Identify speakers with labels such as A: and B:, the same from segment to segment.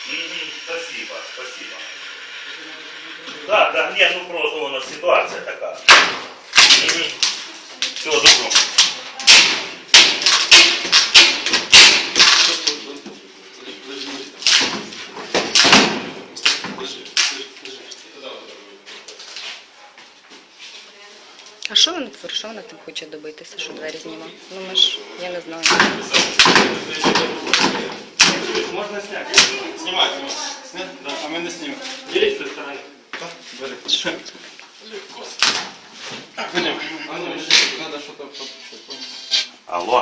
A: Спасибо, спасибо. Да, да, нет, ну просто у нас ситуация такая. Все, добро.
B: А що вона творить? Що вона там хоче добитися, що двері знімає? Ну ми ж, я не знаю.
A: Можно снять?
C: Снимай, снимай. Снять? Да, а мы не снимем.
A: Делись с той стороны.
C: Бери. Пойдем. Надо что-то подписать.
A: Алло.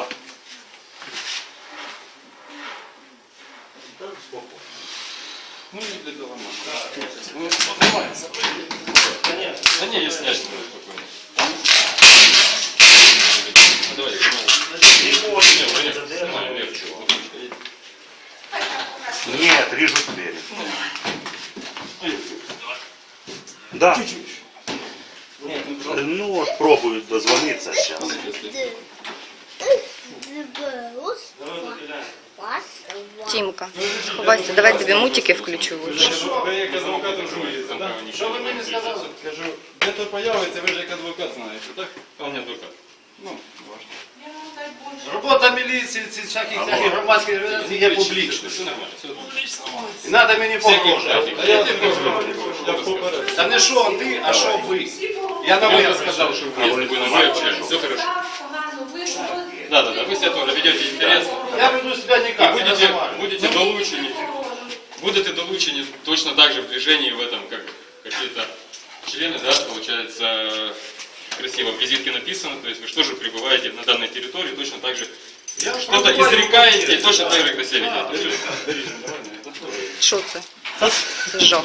C: Ну, не для дома. Ну, снимается. Да не, я снять не буду спокойно. Давай, снимай. Не, легче.
A: Нет, режут двери. Да. Ну вот пробуют дозвониться сейчас.
B: Тімка, сховайся, давай тобі мультики включу лучше.
C: Ви як адвокат журналіста, так? Що ви мені сказали? Кажу, де то появиться, ви ж як адвокат знаєте, так? А он не адвокат. Ну, важно.
D: Робота міліції, ці всяких таких громадських організацій є публічною.
C: Все нормально, все нормально.
D: І треба мені погрожувати.
C: Я попереду.
D: Та не що ти, а що ви. Я на ви сказав, що ви.
C: Если вы на мой общались, все хорошо. Да, вы себя тоже ведете интересно.
D: Я веду себе ніяк, не називаю.
C: Будете долучені точно так же в движении в этом, как какие-то члены, да, получается, красиво в визитке написано, то есть вы что же пребываете на данной территории, точно так же что-то изрекаете, и точно так же как себя ведете.
B: Що це? Це жах.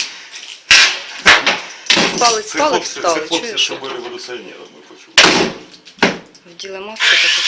B: Палець, палець стали, чуєш?
A: Що були революціонерами, почув.
B: Вділи маски такі.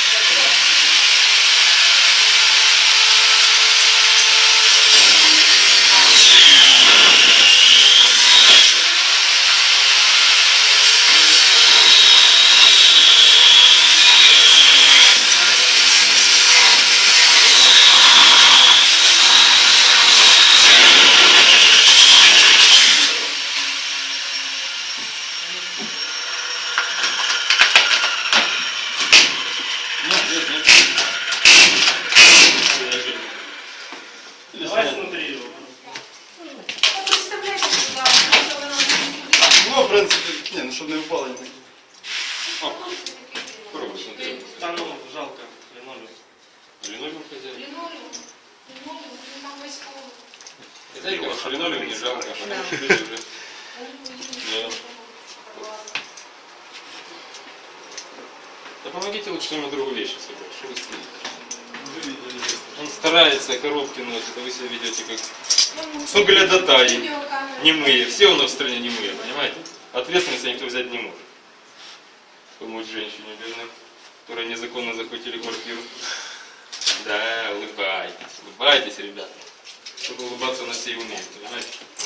A: Давай смотри его.
C: Ну, в принципе, не, ну чтобы не упало не так. О, пробуй, смотри.
A: Да ну, жалко, линолеум.
C: Линолеум хозяин.
E: Линолеум,
C: Это его, линолеум не жалко, а
B: Да.
C: потому что люди уже... Да. Да помогите лучше своему другу вещи собрать, что вы стоите? Он старается, коробки носит, а вы себя ведете как соглядатаи, немые. Все у нас в стране немые, понимаете? Ответственности никто взять не может. Помочь женщине бедной, которой незаконно захватили квартиру. Да, улыбайтесь, ребята. Чтобы улыбаться на все и умеют, понимаете?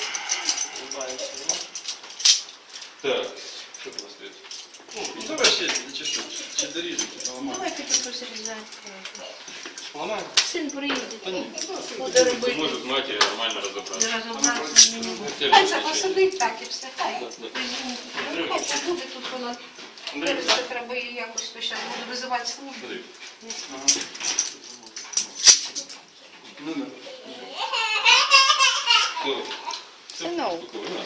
C: Так, что у вас стоит? Ну, давай ще, чи доріжете, ламаємо.
E: давайте тут розрізати.
C: Ламаємо?
E: Син приїде.
C: Та ні.
E: Буде робити.
C: Може з матері нормально розібратися.
E: Розібратися мені.
C: Те
E: Хай
C: ж
E: це
C: звичайно.
E: посадить так і все. Хай.
C: Да.
E: Хай це буде тут вона. Це треба її якось то зараз буде визивати службу.
C: Смотри. Ну да. Все.
B: Синок.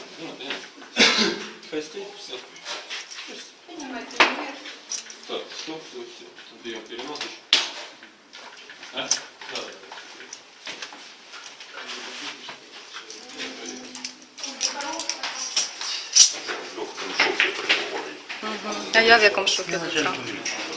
C: Хай стоит, все.
E: Піднімайте вверх.
C: Так, стоп, все. Берем переносочку. А? Давай.
A: В легкому шоке перебували.
B: А я в якому шокі з утра?